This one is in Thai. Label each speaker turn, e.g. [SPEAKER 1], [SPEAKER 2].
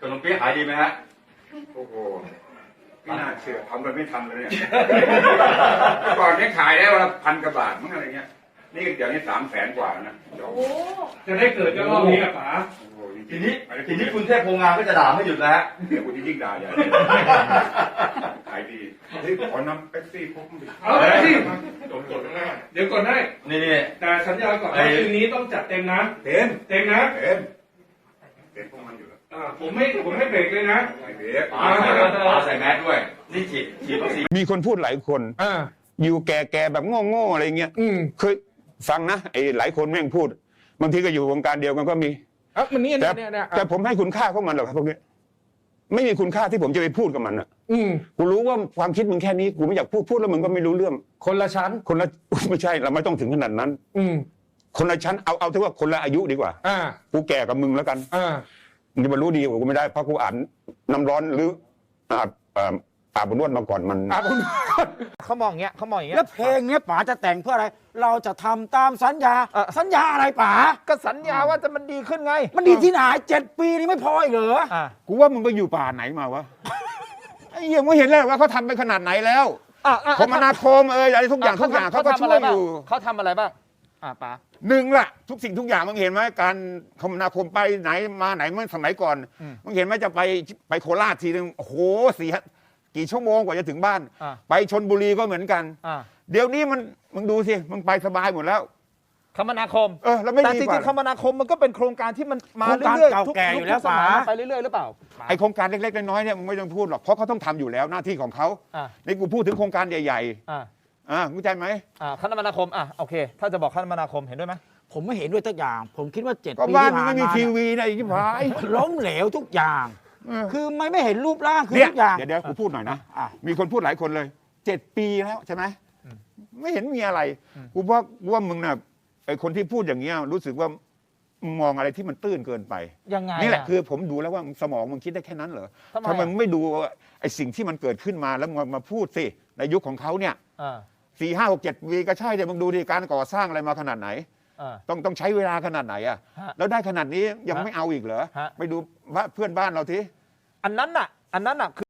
[SPEAKER 1] นมเปี๊ยะขายดีไหมฮะ
[SPEAKER 2] โอ้โหไม่น่าเชื่อทำกันไม่ทันเลยเนี่ยก่อนนี้ขายได้วันละ1,000 กว่าบาทมั้งอะไรเงี้ยนี่เดี๋ยวนี้300,000 กว่านะ
[SPEAKER 3] จะได้เกิดก็รอบนี้อะป๋า
[SPEAKER 1] ทีนี้คุณเทพโพงามก็จะด่าไม่หยุดแล้วฮะ
[SPEAKER 2] เดี๋ยวคุณยิ่งด่าใหญ่ขายดีเฮ้ยขอน้ำเป๊ปซี่พกมาดิ
[SPEAKER 3] เอาไปสิ
[SPEAKER 2] จดหน้า
[SPEAKER 3] เดี๋ยวก่อนได้
[SPEAKER 1] นี่
[SPEAKER 3] แต่สัญญาก่อนว่าคืนนี้ต้องจัดเต็มนะ
[SPEAKER 2] เต็ม
[SPEAKER 3] นะ
[SPEAKER 2] เต็มพวกมันอยู่แล้ว
[SPEAKER 3] ผมไม่เบรกเลยนะ
[SPEAKER 2] ไม่เบรก
[SPEAKER 1] ป๋าใส่แมสด้วยนี่ฉีดวัคซีน
[SPEAKER 4] มีคนพูดหลายคนอยู่แก่ๆแบบโง่ๆอะไรเงี้ยเคยฟังนะไอ้หลายคนแม่งพูดบางทีก็อยู่วงการเดียวกันก็มี
[SPEAKER 5] มันนี่
[SPEAKER 4] แต่ผมให้คุณค่าพวกมันหรอกครับพวกนี้ไม่มีคุณค่าที่ผมจะไปพูดกับมันอ่ะกูรู้ว่าความคิดมึงแค่นี้กูไม่อยากพูดแล้วมึงก็ไม่รู้เรื่อง
[SPEAKER 5] คนละชั้น
[SPEAKER 4] คนละไม่ใช่เราไม่ต้องถึงขนาดนั้นคนละชั้นเอาที่ว่าคนละอายุดีกว่ากูแก่กับมึงแล้วกันมึงจะมารู้ดีกว่ากูไม่ได้เพราะกูอ่านน้ำร้อนหรืออาบนวดมาก่อนมัน
[SPEAKER 5] เขามองอย่างเงี้ย
[SPEAKER 6] แล้วเพลงเนี้ยป๋าจะแต่งเพื่ออะไรเราจะทำตามสัญญาสัญญาอะไรป๋า
[SPEAKER 5] ก็สัญญาว่าจะมันดีขึ้นไง
[SPEAKER 6] มันดีที่ไหน7 ปีนี่ไม่พออีกเหรอ
[SPEAKER 4] กูว่ามึงไปอยู่ป่าไหนมาวะไอ้เหี้ยมึงเห็นแล้วว่าเขาทำไปขนาดไหนแล้วคมนาคมอะไรทุกอย่างเขาก็ช่วยอยู่
[SPEAKER 5] เขาทำอะไรบ้างป๋า
[SPEAKER 4] หนึ่งล่ะทุกสิ่งทุกอย่างมึงเห็นไหมการคมนาคมไปไหนมาไหนเมื่อสมัยก่อนมึงเห็นไหมจะไปโคราชทีนึงโอ้โหกี่ชั่วโมงกว่าจะถึงบ้านไปชลบุรีก็เหมือนกันเดี๋ยวนี้มึงดูสิมึงไปสบายหมดแล้ว
[SPEAKER 5] คมนาคม
[SPEAKER 4] แล้วไม่
[SPEAKER 5] แต่จริงๆคมนาคมมันก็เป็นโครงการที่มันมาเรื่อยๆทุกสมัยไปเรื่อยๆหรือเปล่า
[SPEAKER 4] ไอโครงการเล็กๆน้อยๆเนี่ยมึงไม่ต้องพูดหรอกเพราะเขาต้องทำอยู่แล้วหน้าที่ของเขาในกูพูดถึงโครงการใหญ่ๆเข้าใจไหม
[SPEAKER 5] คมนาคมโอเคถ้าจะบอกคมนาคมเห็นด้วยไหม
[SPEAKER 6] ผมไม่เห็นด้วยทุกอย่างผมคิดว่า7 ปี
[SPEAKER 4] ที่ผ่านมาไม่มีทีวีในที่ผ่าน
[SPEAKER 6] ล้มเหลวทุกอย่างคือไม่เห็นรูปร่างคือทุกอย่าง
[SPEAKER 4] เดี๋ยวกูพูดหน่อยนะมีคนพูดหลายคนเลย7 ปีแล้วใช่ไหมไม่เห็นมีอะไรกูว่ามึงน่ะไอคนที่พูดอย่างเงี้ยรู้สึกว่ามองอะไรที่มันตื้นเกินไป
[SPEAKER 5] ยังไง
[SPEAKER 4] นี่แหละคือผมดูแล้วว่าสมองมึงคิดได้แค่นั้นเหรอทำไมมึงไม่ดูไอสิ่งที่มันเกิดขึ้นมาแล้วมาพูดสิในยุคของเขาเนี่ย4 5 6 7 ปีก็ใช่เดี๋ยวมึงดูดิการก่อสร้างอะไรมาขนาดไหนต้องใช้เวลาขนาดไหนแล้วได้ขนาดนี้ยังไม่เอาอีกเหรอไปดูเพื่อนบ้านเราที
[SPEAKER 5] อันนั้นน่ะคือ